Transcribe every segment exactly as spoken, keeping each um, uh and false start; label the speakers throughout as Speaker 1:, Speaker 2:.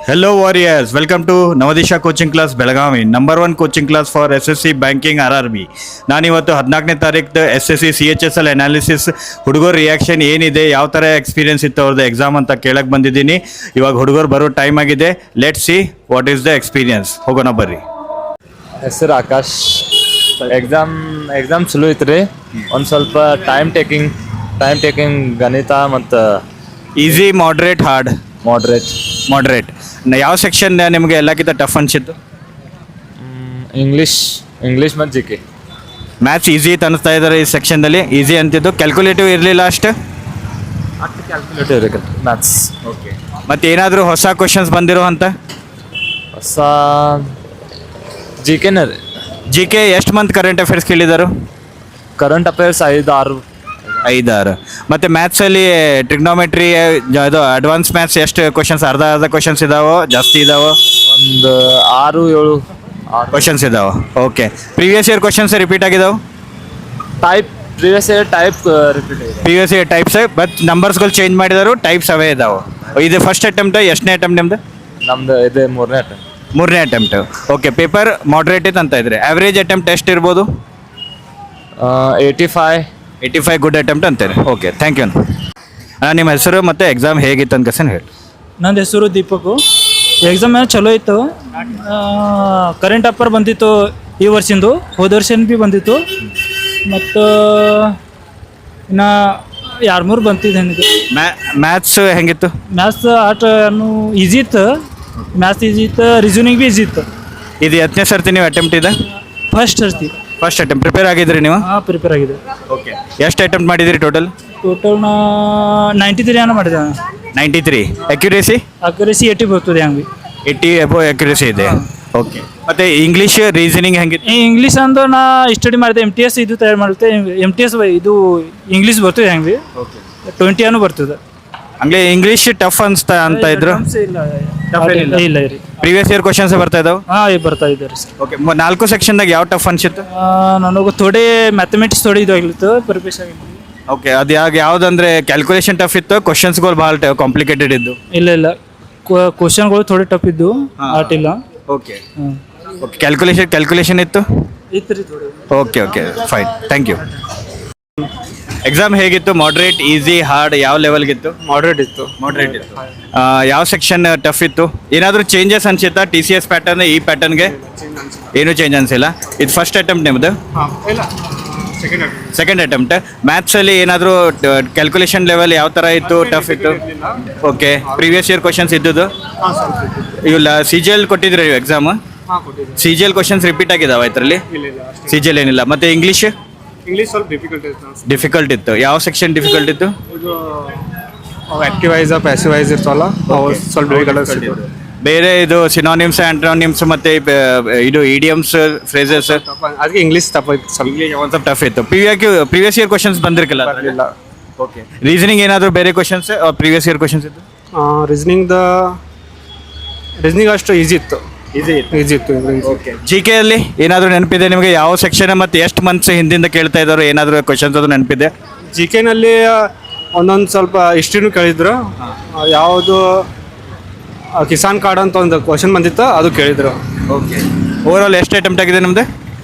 Speaker 1: Hello warriors, welcome to Navadisha coaching class Belagavi, number one coaching class for S S C banking R R B. ನಾನಿವತ್ತು ಹದಿನಾಲ್ಕನೇ ತಾರೀಕು S S C C H S L analysis ಹುಡುಗರ reaction ಏನಿದೆ, ಯಾವ ಥರ experience ಇತ್ತು ಅವ್ರದ್ದು exam ಅಂತ ಕೇಳಕ್ಕೆ ಬಂದಿದ್ದೀನಿ. ಇವಾಗ ಹುಡುಗರು ಬರೋ ಟೈಮ್ ಆಗಿದೆ. Let see what is the experience. ಹೋಗೋಣ ಬರ್ರಿ.
Speaker 2: ಹೆಸರು ಆಕಾಶ್. ಎಕ್ಸಾಮ್ ಎಕ್ಸಾಮ್ ಚಲೋ ಐತೆ ರೀ. ಒಂದು ಸ್ವಲ್ಪ ಟೈಮ್ ಟೇಕಿಂಗ್ ಟೈಮ್ ಟೇಕಿಂಗ್ ಗಣಿತ ಮತ್ತು
Speaker 1: easy, moderate, hard?
Speaker 2: Moderate.
Speaker 1: Moderate. ಯಾವ ಸೆಕ್ಷನ್ ನಿಮಗೆ ಎಲ್ಲಕ್ಕಿಂತ ಟಫ್ ಅನ್ಸಿತ್ತು?
Speaker 2: ಇಂಗ್ಲೀಷ್ ಇಂಗ್ಲೀಷ್ ಮತ್ತು ಜಿ ಕೆ.
Speaker 1: ಮ್ಯಾಥ್ಸ್ ಈಸಿ ಅಂತ ಅನಿಸ್ತಾ ಇದ್ದಾರೆ ಈ ಸೆಕ್ಷನ್ದಲ್ಲಿ. ಈಸಿ ಅಂತಿದ್ದು, ಕ್ಯಾಲ್ಕುಲೇಟಿವ್ ಇರಲಿಲ್ಲ ಅಷ್ಟು.
Speaker 2: ಕ್ಯಾಲ್ಕುಲೇಟಿವ್ ರೀ ಮ್ಯಾಥ್ಸ್.
Speaker 1: ಓಕೆ. ಮತ್ತು ಏನಾದರೂ ಹೊಸ ಕ್ವಶನ್ಸ್ ಬಂದಿರೋ ಅಂತ?
Speaker 2: ಹೊಸ ಜಿ ಕೆನ ರೀ.
Speaker 1: ಜಿ ಕೆ ಎಷ್ಟು ಮಂತ್ ಕರೆಂಟ್ ಅಫೇರ್ಸ್ ಕೇಳಿದರು?
Speaker 2: ಕರೆಂಟ್ ಅಫೇರ್ಸ್ ಐದು ಆರು
Speaker 1: ಐದಾರು. ಮತ್ತು ಮ್ಯಾಥ್ಸಲ್ಲಿ ಟ್ರಿಗ್ನೋಮೆಟ್ರಿ ಇದು ಅಡ್ವಾನ್ಸ್ ಮ್ಯಾಥ್ಸ್ ಎಷ್ಟು ಕ್ವಶನ್ಸ್? ಅರ್ಧ ಅರ್ಧ ಕ್ವಶನ್ಸ್ ಇದಾವೋ ಜಾಸ್ತಿ ಇದಾವೋ?
Speaker 2: ಒಂದು ಆರು ಏಳು
Speaker 1: ಕ್ವಶನ್ಸ್ ಇದಾವೆ. Okay. Previous year questions repeat ಆಗಿದಾವೆ?
Speaker 2: Type previous year type repeat ಆಗಿದೆ.
Speaker 1: ಪ್ರೀವಿಯಸ್ ಇಯರ್ ಟೈಪ್ಸ್, ಬಟ್ ನಂಬರ್ಸ್ಗಳು ಚೇಂಜ್ ಮಾಡಿದಾರು, ಟೈಪ್ಸ್ ಅವೇ ಇದಾವೆ. ಇದು ಫಸ್ಟ್ ಅಟೆಂಪ್ಟ್, ಎಷ್ಟನೇ ಅಟೆಂಪ್ಟ್ ನಿಮ್ದು?
Speaker 2: ನಮ್ದು ಇದೆ ಮೂರನೇ ಅಟೆಂಪ್ಟ್.
Speaker 1: ಮೂರನೇ ಅಟೆಂಪ್ಟ್. ಓಕೆ. ಪೇಪರ್ ಮಾಡ್ರೇಟ್ ಇತ್ತು ಅಂತ ಇದ್ರೆ ಆವ್ರೇಜ್ ಅಟೆಂಪ್ಟ್ ಎಷ್ಟು ಇರ್ಬೋದು?
Speaker 2: Eighty five
Speaker 1: eighty five good attempt ಅಂತಾರೆ. Okay, thank you. ಅಣ್ಣ, ನಿಮ್ಮ ಹೆಸರು ಮತ್ತು ಎಕ್ಸಾಮ್ ಹೇಗಿತ್ತು ಅಂತ ಕಸನ್ ಹೇಳಿ.
Speaker 3: ನಂದು ಹೆಸರು ದೀಪಕು. ಎಕ್ಸಾಮ್ ಏನು ಚಲೋ ಇತ್ತು. ಕರೆಂಟ್ ಅಫೇರ್ ಬಂದಿತ್ತು ಈ ವರ್ಷಿಂದು, ಹೋದ ವರ್ಷನ ಭೀ ಬಂದಿತ್ತು. ಮತ್ತು ಇನ್ನು ಎರಡು ಮೂರು ಬಂತಿದ್ದು ಏನಿದೆ.
Speaker 1: ಮ್ಯಾ ಮ್ಯಾಥ್ಸ್ ಹೆಂಗಿತ್ತು?
Speaker 3: ಮ್ಯಾಥ್ಸ್ ಆಟ ಈಸಿ ಇತ್ತು. ಮ್ಯಾಥ್ಸ್ ಈಸಿ ಇತ್ತು, ರೀಸನಿಂಗ್ ಭೀ ಈಸಿ ಇತ್ತು.
Speaker 1: ಇದು ಎತ್ತನೇ ಸರ್ತಿ ನೀವು ಅಟೆಂಪ್ಟ್ ಇದೆ?
Speaker 3: ಫಸ್ಟ್ ಸರ್ತಿ
Speaker 1: ಫಸ್ಟ್ ಅಟೆಂಪ್ಟ್. ಪ್ರಿಪೇರ್ ಆಗಿದ್ರಿ ನೀವು?
Speaker 3: ಹಾಂ, ಪ್ರಿಪೇರ್ ಆಗಿದೆ.
Speaker 1: ಓಕೆ. ಎಷ್ಟು ಅಟೆಂಪ್ಟ್ ಮಾಡಿದಿರಿ ಟೋಟಲ್?
Speaker 3: ಟೋಟಲ್ ನಾ ನೈಂಟಿ ತ್ರೀ ಏನೋ ಮಾಡಿದೆ.
Speaker 1: Ninety three. Accuracy?
Speaker 3: Accuracy eighty ಬರ್ತದೆ ಹಂಗೆ.
Speaker 1: ಏಯ್ಟಿ ಎಬೋ ಅಕ್ಯುರೇಸಿ ಇದೆ. ಓಕೆ. ಮತ್ತು ಇಂಗ್ಲೀಷ್ ರೀಸನಿಂಗ್ ಹೆಂಗಿತ್ತು?
Speaker 3: ಈ ಇಂಗ್ಲೀಷ್ ಅಂದ್ರೆ ನಾ ಸ್ಟಡಿ ಮಾಡಿದೆ. ಎಮ್ ಟಿ ಎಸ್ ಇದು ತಯಾರು ಮಾಡುತ್ತೆ. ಎಮ್ ಟಿ ಎಸ್ ಇದು ಇಂಗ್ಲೀಷ್ ಬರ್ತದೆ ಹೆಂಗೆ.
Speaker 1: ಓಕೆ.
Speaker 3: ಟ್ವೆಂಟಿ ಏನೋ ಬರ್ತದೆ.
Speaker 1: ಹಂಗೆ ಇಂಗ್ಲೀಷ್ ಟಫ್ ಅನ್ಸ್ತಾ ಅಂತ ಇದ್ರು?
Speaker 3: ಇಲ್ಲ ಇಲ್ಲ ರೀ.
Speaker 1: ಪ್ರೀವಿಯಸ್ ಇಯರ್ ಕ್ವಶನ್ಸ್ ಬರ್ತಾ ಇದಾವೆ?
Speaker 3: ಹಾಂ, ಬರ್ತಾ ಇದ್ದಾರೆ ಸರ್.
Speaker 1: ಓಕೆ. ನಾಲ್ಕು ಸೆಕ್ಷನ್ದಾಗ ಯಾವ ಟಫ್ ಅನ್ಸಿತ್ತು?
Speaker 3: ನನಗೆ ಥೋಡೆ ಮ್ಯಾಥಮೆಟಿಕ್ಸ್ ಥೋಡೆ ಇದು ಆಗಿತ್ತು, ಪ್ರಿಪೇಷನ್ ಆಗಿತ್ತು.
Speaker 1: ಓಕೆ. ಅದು ಯಾಕೆ ಯಾವುದಂದ್ರೆ ಕ್ಯಾಲ್ಕುಲೇಷನ್ ಟಫ್ ಇತ್ತು, ಕ್ವಶನ್ಸ್ಗಳು ಭಾಳ ಕಾಂಪ್ಲಿಕೇಟೆಡ್ ಇದ್ದು?
Speaker 3: ಇಲ್ಲ ಇಲ್ಲ, ಕ್ವಶನ್ಗಳು ಥೋಡೆ ಟಫ್ ಇದ್ದು, ಆಟಿಲ್ಲ.
Speaker 1: ಓಕೆ. ಓಕೆ. ಕ್ಯಾಲ್ಕುಲೇಷನ್ ಕ್ಯಾಲ್ಕುಲೇಷನ್ ಇತ್ತು?
Speaker 3: ಇತ್ತು ರೀ ಥೋಡೆ.
Speaker 1: Okay okay fine, thank you. Exam ಹೇಗಿತ್ತು? ಮಾಡ್ರೇಟ್, ಈಸಿ, ಹಾರ್ಡ್, ಯಾವ ಲೆವೆಲ್ಗಿತ್ತು?
Speaker 3: ಮಾಡ್ರೇಟ್ ಇತ್ತು.
Speaker 1: ಮಾಡ್ರೇಟ್ ಇತ್ತು. ಯಾವ ಸೆಕ್ಷನ್ ಟಫ್ ಇತ್ತು? ಏನಾದರೂ ಚೇಂಜಸ್ ಅನ್ಸುತ್ತಾ ಟಿ ಸಿ ಎಸ್ ಪ್ಯಾಟರ್ನ್ ಈ ಪ್ಯಾಟರ್ನ್ಗೆ? ಏನೂ ಚೇಂಜ್ ಅನಿಸಿಲ್ಲ. ಇದು ಫಸ್ಟ್ ಅಟೆಂಪ್ಟ್ ನಿಮ್ಮದು? Second attempt. ಮ್ಯಾಥ್ಸಲ್ಲಿ ಏನಾದರೂ ಕ್ಯಾಲ್ಕುಲೇಷನ್ ಲೆವೆಲ್ ಯಾವ ಥರ ಇತ್ತು, ಟಫ್ ಇತ್ತು? Okay. Previous year questions ಇದ್ದುದು? ಇವಿಲ್ಲ. C G L ಕೊಟ್ಟಿದ್ರಿ ನೀವು exam? C G L questions repeat ಆಗಿದಾವೆ ಇದರಲ್ಲಿ? ಸಿ ಜಿ ಎಲ್ ಏನಿಲ್ಲ. ಮತ್ತು ಇಂಗ್ಲೀಷ್?
Speaker 4: ಇಂಗ್ಲೀಷ್ ಸ್ವಲ್ಪ ಡಿಫಿಕಲ್ಟ್ ಇತ್ತು.
Speaker 1: ಡಿಫಿಕಲ್ಟ್ ಇತ್ತು. ಯಾವ ಸೆಕ್ಷನ್ ಡಿಫಿಕಲ್ಟ್ ಇತ್ತು?
Speaker 4: ಇದು ಆಕ್ಟಿವೈಸ್ ಪ್ಯಾಸಿವೈಸ್ ಇರ್ತವಲ್ಲ, ಅವು ಸ್ವಲ್ಪ ಡಿಫಿಕಲ್ಟ್ ಇತ್ತು.
Speaker 1: ಬೇರೆ ಇದು ಸಿನಾನಿಮ್ಸ್, ಆಂಟ್ರೋನಿಮ್ಸ್ ಮತ್ತು ಇದು ಇಡಿಯಮ್ಸ್, ಫ್ರೇಸಸ್,
Speaker 4: ಅದಕ್ಕೆ ಇಂಗ್ಲೀಷ್ ತಪ್ಪಾಯ್ತು ಸ್ವಲ್ಪ.
Speaker 1: ಒಂದು ಸ್ವಲ್ಪ ಟಫ್ ಇತ್ತು. ಪ್ರಿವಿಯಸ್ ಪ್ರಿವಿಯಸ್ ಇಯರ್ ಕ್ವಶನ್ಸ್ ಬಂದಿರಲಿಲ್ಲ?
Speaker 4: ಇಲ್ಲ.
Speaker 1: ಓಕೆ. ರೀಸನಿಂಗ್ ಏನಾದರೂ ಬೇರೆ ಕ್ವಶನ್ಸ್ ಪ್ರಿವಿಯಸ್ ಇಯರ್ ಕ್ವಶನ್ಸ್ ಇತ್ತು?
Speaker 4: ರೀಸನಿಂಗ್ದ ರೀಸನಿಂಗ್ ಅಷ್ಟು ಈಸಿ ಇತ್ತು.
Speaker 1: ಈಸಿ ಇತ್ತು.
Speaker 4: ಈಸಿ ಇತ್ತು.
Speaker 1: ಓಕೆ. ಜಿ ಕೆ ಅಲ್ಲಿ ಏನಾದರೂ ನೆನಪಿದೆ ನಿಮಗೆ? ಯಾವ ಸೆಕ್ಷನ್ ಮತ್ತು ಎಷ್ಟು ಮಂತ್ಸ್ ಹಿಂದಿಂದ ಕೇಳ್ತಾ ಇದ್ದಾರೋ ಏನಾದರೂ ಕ್ವಶನ್ಸ್ ಅದು ನೆನಪಿದೆ?
Speaker 4: ಜಿ ಕೆನಲ್ಲಿ ಒಂದೊಂದು ಸ್ವಲ್ಪ ಹಿಸ್ಟ್ರಿನೂ ಕೇಳಿದ್ರು. ಯಾವುದು ಕಿಸಾನ್ ಕಾರ್ಡ್ ಅಂತ ಒಂದು ಕ್ವಶನ್ ಬಂದಿತ್ತು, ಅದು ಕೇಳಿದ್ರು.
Speaker 1: ಓಕೆ. ಓವರ್ ಆಲ್ ಎಷ್ಟು ಅಟೆಂಪ್ಟ್ ಆಗಿದೆ ನಿಮ್ಮದು?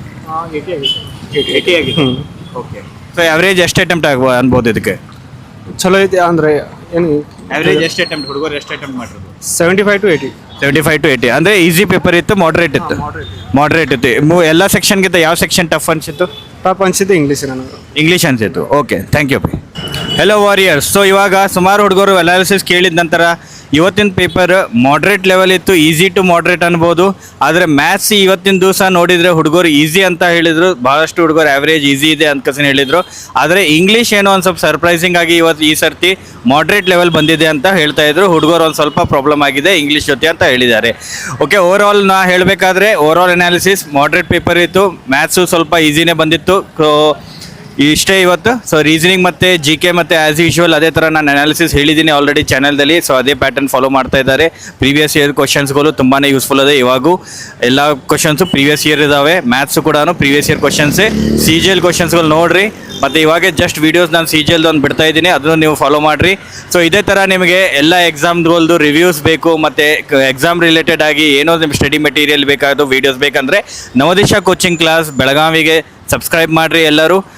Speaker 4: ಏಯ್ಟಿ ಆಗಿದೆ.
Speaker 1: ಓಕೆ. ಸೊ ಆವ್ರೇಜ್ ಎಷ್ಟು ಅಟೆಂಪ್ಟ್ ಆಗ್ಬೋದು ಅನ್ಬೋದು ಇದಕ್ಕೆ?
Speaker 4: ಚಲೋ ಐತೆ ಅಂದರೆ ಏನು?
Speaker 1: ಆವ್ರೇಜ್ ಎಷ್ಟು ಅಟೆಂಪ್ಟ್ ಹುಡುಗರು ಎಷ್ಟು ಅಟೆಂಪ್ಟ್ ಮಾಡಿರೋದು?
Speaker 4: Seventy five to eighty.
Speaker 1: Seventy five to eighty ಅಂದರೆ ಈಸಿ ಪೇಪರ್ ಇತ್ತು, ಮಾಡ್ರೇಟ್ ಇತ್ತು? ಮಾಡ್ರೇಟ್ ಇತ್ತು. ಮೂ ಎಲ್ಲ ಸೆಕ್ಷನ್ಗಿಂತ ಯಾವ ಸೆಕ್ಷನ್ ಟಫ್ ಅನಿಸಿತ್ತು?
Speaker 4: ಟಫ್ ಅನಿಸಿದ್ದು ಇಂಗ್ಲೀಷ್ ನನಗೆ.
Speaker 1: ಇಂಗ್ಲೀಷ್ ಅನಿಸಿತ್ತು. Okay, thank you. Hello warriors. So ಇವಾಗ ಸುಮಾರು ಹುಡುಗರು ಅನಾಲಿಸಿಸ್ ಕೇಳಿದ ನಂತರ ಇವತ್ತಿನ ಪೇಪರ್ ಮಾಡ್ರೇಟ್ ಲೆವೆಲ್ ಇತ್ತು, ಈಸಿ ಟು ಮಾಡ್ರೇಟ್ ಅನ್ಬೋದು. ಆದರೆ ಮ್ಯಾಥ್ಸ್ ಇವತ್ತಿನ ದಿವಸ ನೋಡಿದರೆ ಹುಡುಗರು ಈಸಿ ಅಂತ ಹೇಳಿದರು, ಭಾಳಷ್ಟು ಹುಡುಗರು ಆ್ಯಾವ್ರೇಜ್ ಈಸಿ ಇದೆ ಅಂತ ಕಸನ್ ಹೇಳಿದರು. ಆದರೆ ಇಂಗ್ಲೀಷ್ ಏನೋ ಒಂದು ಸ್ವಲ್ಪ ಸರ್ಪ್ರೈಸಿಂಗ್ ಆಗಿ ಇವತ್ತು ಈ ಸರ್ತಿ ಮಾಡ್ರೇಟ್ ಲೆವೆಲ್ ಬಂದಿದೆ ಅಂತ ಹೇಳ್ತಾ ಇದ್ರು. ಹುಡುಗರು ಒಂದು ಸ್ವಲ್ಪ ಪ್ರಾಬ್ಲಮ್ ಆಗಿದೆ ಇಂಗ್ಲೀಷ್ ಜೊತೆ ಅಂತ ಹೇಳಿದ್ದಾರೆ. ಓಕೆ. ಓವರ್ ಆಲ್ ನಾ ಹೇಳಬೇಕಾದ್ರೆ over all analysis moderate paper ಇತ್ತು. ಮ್ಯಾಥ್ಸು ಸ್ವಲ್ಪ ಈಸಿನೇ ಬಂದಿತ್ತು. ಸೊ ಇಷ್ಟೇ ಇವತ್ತು. ಸೊ ರೀಸನಿಂಗ್ ಮತ್ತು ಜಿ ಕೆ ಮತ್ತು ಆ್ಯಸ್ ಯೂಶುವಲ್ ಅದೇ ಥರ ನಾನು ಅನಾಲಿಸಿಸ್ ಹೇಳಿದ್ದೀನಿ ಆಲ್ರೆಡಿ ಚಾನಲ್ದಲ್ಲಿ. ಸೊ ಅದೇ ಪ್ಯಾಟರ್ನ್ ಫಾಲೋ ಮಾಡ್ತಾ ಇದ್ದಾರೆ. ಪ್ರೀವಿಯಸ್ ಇಯರ್ ಕ್ವಶನ್ಸ್ಗಳು ತುಂಬಾ ಯೂಸ್ಫುಲ್ ಇದೆ. ಇವಾಗೂ ಎಲ್ಲ ಕ್ವಶನ್ಸು ಪ್ರೀವಿಯಸ್ ಇಯರ್ ಇದ್ದಾವೆ. ಮ್ಯಾಥ್ಸು ಕೂಡ ಪ್ರೀವಿಯಸ್ ಇಯರ್ ಕ್ವಶನ್ಸೇ. ಸಿ ಜಿ ಎಲ್ ಕ್ವಶನ್ಸ್ಗಳು ನೋಡಿರಿ. ಮತ್ತು ಇವಾಗೆ ಜಸ್ಟ್ ವೀಡಿಯೋಸ್ ನಾನು ಸಿ ಜಿ ಎಲ್ದು ಒಂದು ಬಿಡ್ತಾ ಇದ್ದೀನಿ, ಅದನ್ನು ನೀವು ಫಾಲೋ ಮಾಡಿರಿ. ಸೊ ಇದೇ ಥರ ನಿಮಗೆ ಎಲ್ಲ ಎಕ್ಸಾಮ್ಗಳದ್ದು ರಿವ್ಯೂಸ್ ಬೇಕು ಮತ್ತು ಎಕ್ಸಾಮ್ ರಿಲೇಟೆಡ್ ಆಗಿ ಏನೋ ನಿಮ್ಮ ಸ್ಟಡಿ ಮೆಟೀರಿಯಲ್ ಬೇಕಾದ ವೀಡಿಯೋಸ್ ಬೇಕಂದರೆ ನವದಿಶಾ ಕೋಚಿಂಗ್ ಕ್ಲಾಸ್ ಬೆಳಗಾವಿಗೆ ಸಬ್ಸ್ಕ್ರೈಬ್ ಮಾಡಿರಿ ಎಲ್ಲರೂ.